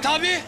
abi.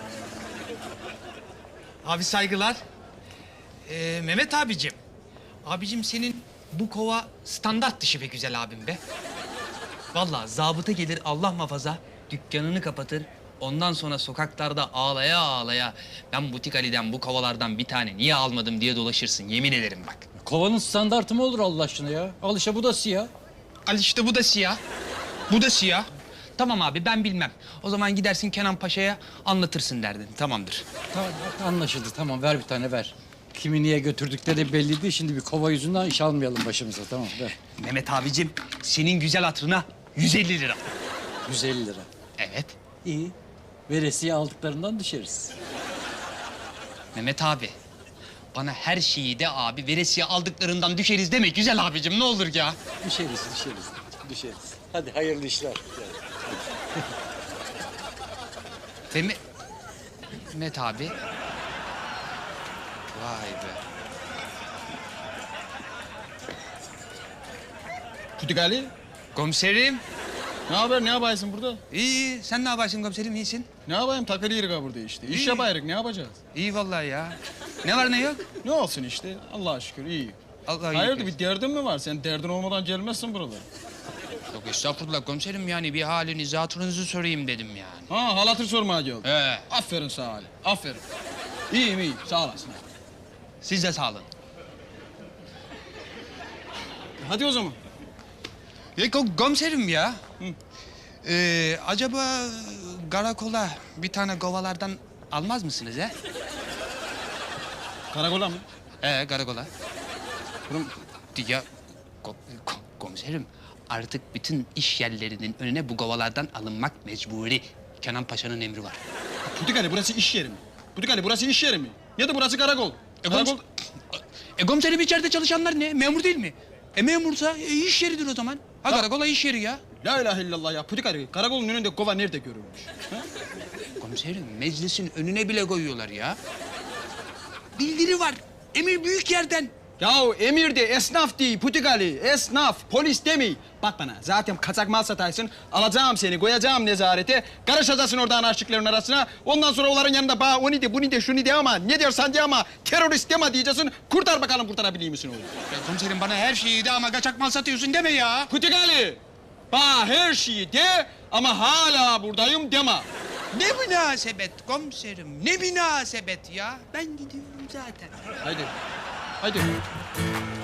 Abi saygılar. Mehmet abicim. Abicim senin bu kova standart dışı be güzel abim be. Vallahi zabıta gelir Allah muhafaza dükkanını kapatır. Ondan sonra sokaklarda ağlaya ağlaya ben Butik Ali'den bu kovalardan bir tane niye almadım diye dolaşırsın yemin ederim bak. Kovanın standartı mı olur Allah aşkına ya? Al işte bu da siyah. Al işte bu da siyah. Bu da siyah. Tamam abi ben bilmem. O zaman gidersin Kenan Paşa'ya anlatırsın derdin. Tamamdır. Tamam anlaşıldı tamam ver bir tane ver. Kimi niye götürdükleri belliydi. Şimdi bir kova yüzünden iş almayalım başımıza tamam ver. Mehmet abicim senin güzel hatırına 150 lira. 150 lira. Evet. İyi. Veresiye aldıklarından düşeriz. Mehmet abi bana her şeyi de abi veresiye aldıklarından düşeriz deme güzel abicim ne olur ya. Düşeriz. Hadi hayırlı işler. Mehmet abi. Vay be. Butik Ali, Komiserim. ne haber? Ne yapaysın burada? İyi. Sen ne yaparsın komiserim? İyisin. Ne yapayım? Takılıyoruz burada işte. İş İyi. yapayız, ne yapacağız? İyi vallahi ya. Ne var ne yok? Ne olsun işte, Allah'a şükür iyi. Allah Hayırdır, bir derdin mi var? Sen derdin olmadan gelmezsin buralara. Yok estağfurullah komiserim yani bir halinizi hatırınızı sorayım dedim yani. Ha, hal hatır sormaya geldim. He. Aferin sağ Ali, aferin. İyiyim, iyiyim, sağ olasın. Siz de sağ olun. Hadi o zaman. Komiserim ya. Acaba karakola bir tane kovalardan almaz mısınız he? Karakola mı? Karakola. Kurum, Ya komiserim artık bütün iş yerlerinin önüne bu kovalardan alınmak mecburi. Kenan Paşa'nın emri var. Butik Ali, burası iş yeri mi? Butik Ali, burası iş yeri mi? Ya da burası karakol. Karakol... Komiserim içeride çalışanlar ne? Memur değil mi? Memursa iş yeridir o zaman. Ha karakola iş yeri ya. La ilahe illallah ya. Butik Ali, karakolun önünde kova nerede görülmüş? Ha? Komiserim meclisin önüne bile koyuyorlar ya. Bildiri var. Emir büyük yerden. Yahu emir de esnaf değil Butik Ali, esnaf, polis demi. Bak bana, zaten kaçak mal sataysın, alacağım seni, koyacağım nezarete, karışacaksın oradan aşıkların arasına, ondan sonra onların yanında bana onu de, bunu de, şunu de ama, ne dersen de ama, terörist deme diyeceksin, kurtar bakalım kurtarabiliyor musun oğlum? Ya komiserim bana her şeyi de ama kaçak mal satıyorsun deme ya. Butik Ali, bana her şeyi de ama hala buradayım deme. Ne münasebet komiserim, ne münasebet ya. Ben gidiyorum zaten. Haydi, haydi.